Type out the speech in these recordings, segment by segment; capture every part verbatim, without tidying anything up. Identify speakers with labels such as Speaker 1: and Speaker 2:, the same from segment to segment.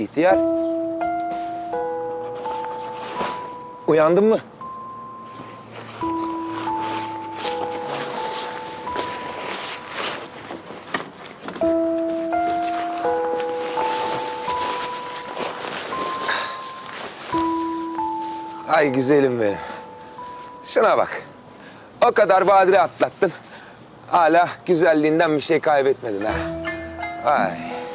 Speaker 1: İhtiyar. Uyandın mı? Ay güzelim benim. Şuna bak. O kadar badire atlattın. Hala güzelliğinden bir şey kaybetmedin ha. Ay.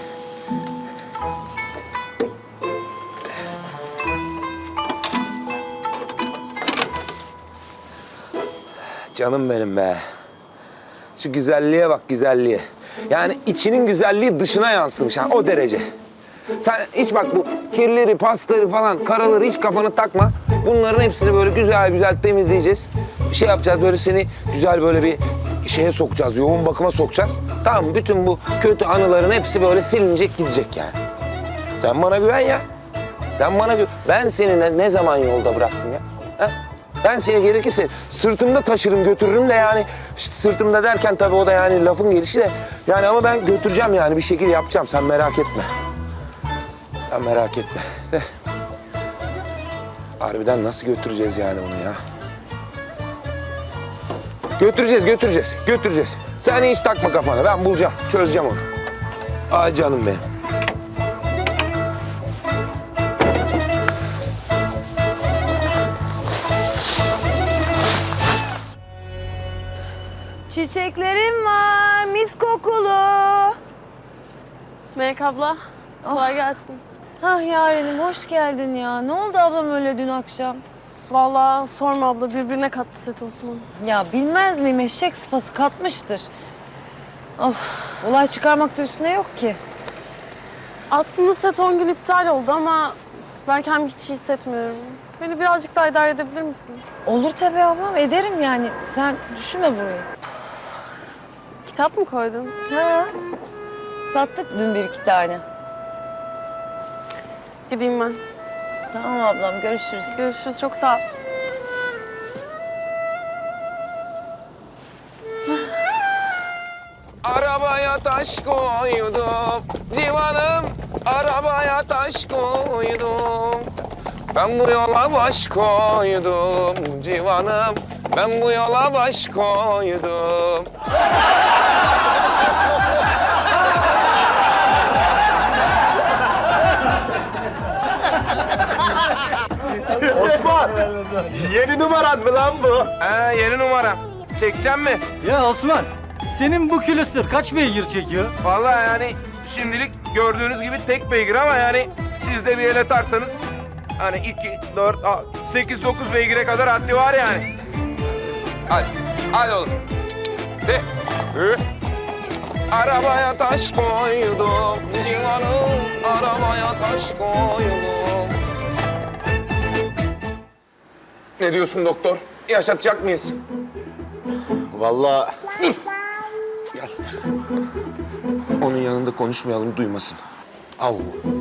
Speaker 1: Canım benim be. Şu güzelliğe bak, güzelliğe. Yani içinin güzelliği dışına yansımış ha, o derece. Sen hiç bak bu kirleri, pasları falan, karaları hiç kafana takma. Bunların hepsini böyle güzel güzel temizleyeceğiz. Bir şey yapacağız, böyle seni güzel böyle bir şeye sokacağız, yoğun bakıma sokacağız. Tamam mı? Bütün bu kötü anıların hepsi böyle silinecek, gidecek yani. Sen bana güven ya. Sen bana güven. Ben seni ne, ne zaman yolda bıraktım ya? Ha? Ben seni gerekirse sırtımda taşırım, götürürüm de yani. İşte sırtımda derken tabii o da yani lafın gelişi de. Yani ama ben götüreceğim yani, bir şekil yapacağım. Sen merak etme. Sen merak etme. De. Harbiden nasıl götüreceğiz yani bunu ya? Götüreceğiz, götüreceğiz, götüreceğiz. Sen hiç takma kafana, ben bulacağım, çözeceğim onu. Ay canım benim.
Speaker 2: Çiçeklerim var, mis kokulu.
Speaker 3: Melek abla, kolay gelsin.
Speaker 2: Ah Yarenim, hoş geldin ya. Ne oldu ablam öyle dün akşam?
Speaker 3: Vallahi sorma abla, birbirine kattı Set Osman.
Speaker 2: Ya bilmez miyim, eşek sıpası katmıştır. Of, olay çıkarmak da üstüne yok ki.
Speaker 3: Aslında set on gün iptal oldu ama ben kendimi hiç iyi hissetmiyorum. Beni birazcık daha idare edebilir misin?
Speaker 2: Olur tabii ablam, ederim yani. Sen düşünme burayı.
Speaker 3: Kitap mı koydun?
Speaker 2: Ha, sattık dün bir iki tane.
Speaker 3: Gideyim ben.
Speaker 2: Tamam ablam, görüşürüz.
Speaker 3: Görüşürüz, çok sağ ol.
Speaker 1: Arabaya taş koydum civanım, arabaya taş koydum. Ben bu yola baş koydum civanım, ben bu yola baş koydum.
Speaker 4: Osman, yeni numaran mı lan bu?
Speaker 1: He, yeni numaram. Çekeceğim mi?
Speaker 5: Ya Osman, senin bu külüstür kaç beygir çekiyor?
Speaker 1: Vallahi yani şimdilik gördüğünüz gibi tek beygir ama yani siz de bir el atarsanız hani iki, dört, sekiz, dokuz beygire kadar haddi var yani. Hadi, hadi oğlum. De. Hı. Arabaya taş koydum civanım, arabaya taş koydum. Ne diyorsun doktor? Yaşatacak mıyız?
Speaker 4: Vallahi
Speaker 1: Gel. Onun yanında konuşmayalım, duymasın.
Speaker 4: Allah.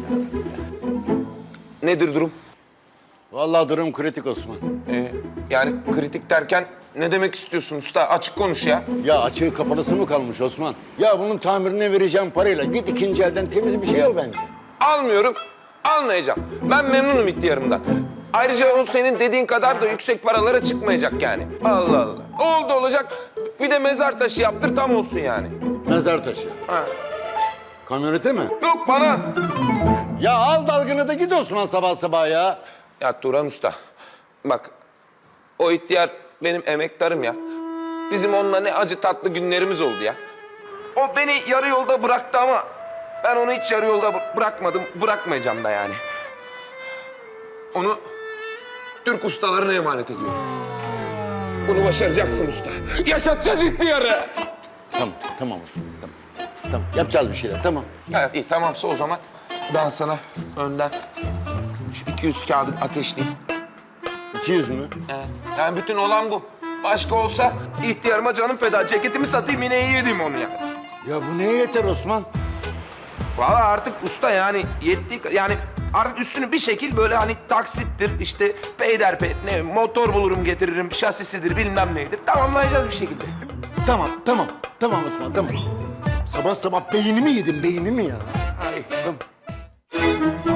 Speaker 1: Nedir durum?
Speaker 4: Vallahi durum kritik Osman.
Speaker 1: Ee, yani kritik derken ne demek istiyorsun usta? Açık konuş ya.
Speaker 4: Ya açığı kapalısı mı kalmış Osman? Ya bunun tamirine vereceğim parayla git ikinci elden temiz bir şey al bence.
Speaker 1: Almıyorum, almayacağım. Ben memnunum ihtiyarımdan. Ayrıca o senin dediğin kadar da yüksek paralara çıkmayacak yani. Allah Allah. Oldu olacak. Bir de mezar taşı yaptır, tam olsun yani.
Speaker 4: Mezar taşı.
Speaker 1: Ha.
Speaker 4: Kamyonete mi?
Speaker 1: Yok bana.
Speaker 4: Ya al dalgını da git Osman sabah sabah ya.
Speaker 1: Ya Turan Usta, bak o ihtiyar benim emektarım ya. Bizim onunla ne acı tatlı günlerimiz oldu ya. O beni yarı yolda bıraktı ama ben onu hiç yarı yolda bı- bırakmadım, bırakmayacağım da yani. Onu Türk ustalarına emanet ediyorum. Bunu başaracaksın usta. Yaşatacağız ihtiyarı.
Speaker 4: Tamam, tamam Osman, tamam. Tamam, yapacağız bir şeyler, tamam.
Speaker 1: Evet, iyi tamamsa o zaman ben sana önden şu iki yüz kağıdı ateşleyeyim.
Speaker 4: iki yüz mü?
Speaker 1: Evet. Yani bütün olan bu. Başka olsa ihtiyarıma canım feda. Ceketimi satayım, yine iyi yedim onu ya.
Speaker 4: Ya bu neye yeter Osman?
Speaker 1: Vallahi artık usta yani yettiği ka- yani artık üstünü bir şekil böyle hani taksittir, işte peyderpey, ne motor bulurum getiririm, şasisidir bilmem neydir. Tamamlayacağız bir şekilde.
Speaker 4: Tamam, tamam. Tamam Osman, tamam. Sabah sabah beynimi yedim, beynimi ya.
Speaker 1: Ay, tamam.